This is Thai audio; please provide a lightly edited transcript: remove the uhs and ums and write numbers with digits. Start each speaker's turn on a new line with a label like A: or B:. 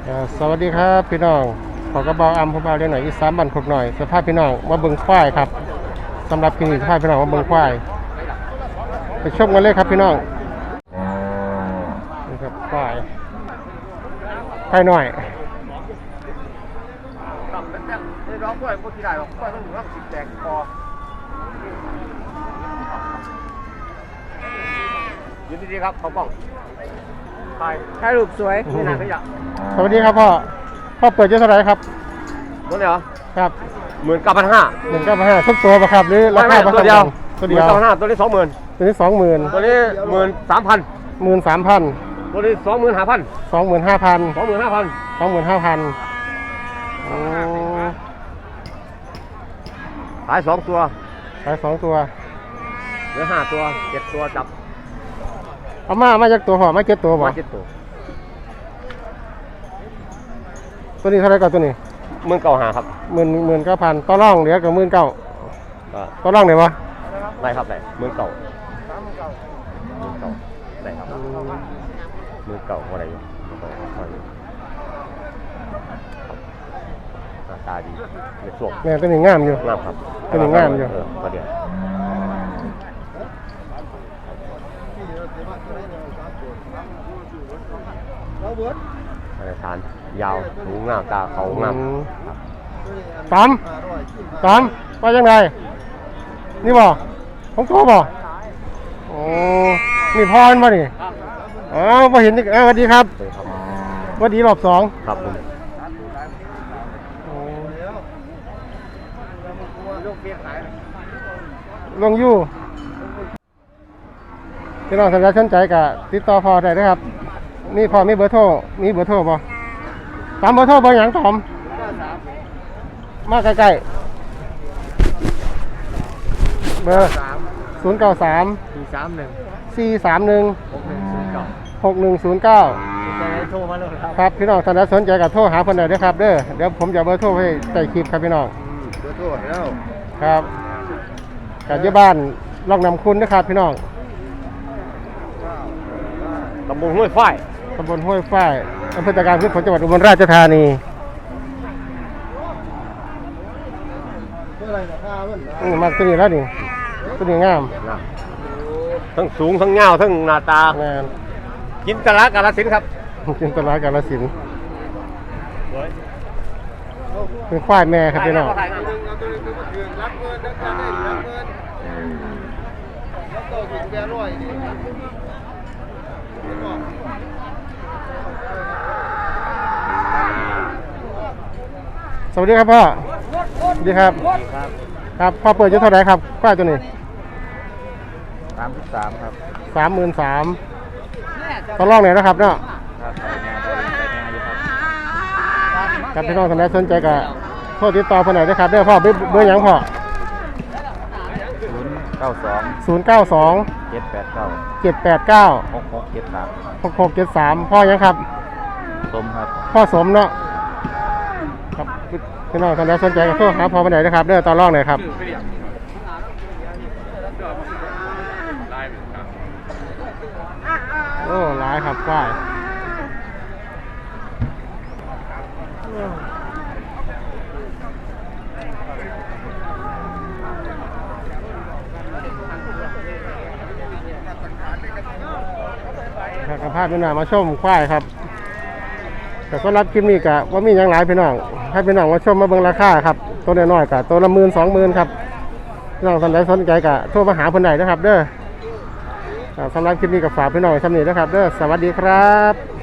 A: สวัสดีครับพี่น้องขอกระเบาอัมพบาเรียนหน่อยอีสานบันขกหน่อยสภาพพี่น้องมาเบิ่งควายครับสำหรับคลินิกสภาพพี่น้องมาเบิ่งควายไปชมกันเลยครับพี่น้องนี่ครับควายหน่อย
B: ร้องกล้วยคนที่ได้หรอกกล้วยต้องอยู่รับสิบแตกคอยืนดีๆครับเขาบอกถ่ายรูปสวยนี่นะขยะ
A: สวัสดีครับพ่อเปิดเยอะเท่าไหร่ครับ
B: ตัวนี้เหรอ
A: ครับ
B: 19,500
A: ทุกตัวป่ะครับหรือราคา
B: ตัวเดียว
A: 19,500
B: ตัวนี้20,000
A: ตัวนี้20,000
B: ตัวนี้13,000
A: 13,000
B: ตัวนี้25,000 ขาย2ตัว
A: เห
B: เหลือ5ตัว7ตัวจับ
A: เอามาจากตัวห่อมา7ตัวบ่
B: 7ตัว
A: ตัวนี้เท่าไรก่อนตัวนี้
B: 19,500ครับ
A: 19,000ต่อรองเหลือกับ19,000ต่อรองได้บ่
B: ได้ครับได้19,000ได้ครับ19,000อะไรอยู่ตาดีในช่วง
A: แม่ตัวนี้งามอยู่
B: งามครับ
A: ตัวนี้งามอยู่
B: ประเดี๋ยวฐานยาวหูงามตาเขางาม
A: ตามว่ายังไงนี่บ่ของตัวบ่โอ้นี่พรมาดิอ๋อมาเห็นนี่สวัสดีครับสวัสดีรอบ2
B: ครับผม
A: ลงยู่พี่น้องสนใจกับติดต่อพอได้นะครับนี่พอมีเบอร์โทรบ่ตามเบอร์โทรเบอร์หยังตอมมาใกล้ๆเบอร์093 431 6109
B: โทรมาเลย
A: ครับพี่น้องท่านใดสนใจกับโทรหาเพิ่นได้ด้วยครับเดี๋ยวผมจะเบอร์โทรให้ใส่คลิปครับพี่น้อง
B: เบอร์โทรแล้ว
A: ครับกับที่บ้านร่องน้ำคุณนะครับพี่น้อง
B: ตำบลห้วยฝ้าย
A: อำเภอตะการพืชผลจังหวัดอุบลราชธานีมาตัวนี้แล้วนี่ตัวนี้งาม
B: ทั้งสูงทั้งเงาทั้งหน้าตาจินตลากาฬสินธุ์ครับ
A: จินตลากาฬสินธุ์เป็นควายแม่ครับพี่น้องสวัสดีครับพ่อสวัสดีครับครับพ่อเปิดอยู่เท่าไหร่ครับควายตัวนี้
B: 33ครับ
A: 33ต่อรองไหนนะครับเนาะครับพี่น้องท่านใดสนใจก็โทรติดต่อเพิ่นได้นะครับเด้อพ่อเบอร์หยังพ่อ
B: 092 789
A: 6673พ่อยังครับ
B: สมครับ
A: พ่อสมเนาะครับพี่น้องท่านใดสนใจก็โทรหาพ่อเพิ่นได้นะครับเด้อต่อรองหน่อยครับโอ้หลายครับฝ้ายครับภาพพี่น้องมาชมควายครับแต่ก็รับคลิปนี้กะว่ามีอย่างหลายพี่น้องให้พี่น้องมาชมมาเบิ่งราคาครับตัวน้อยๆกะตัวละ10,000-20,000ครับพี่น้องท่านใดสนใจกะโทรมาหาเพิ่นได้นะครับเด้อสำหรับคลิปนี้ก็ฝากพี่น้องไว้ซ้ำนี้นะครับเด้อสวัสดีครับ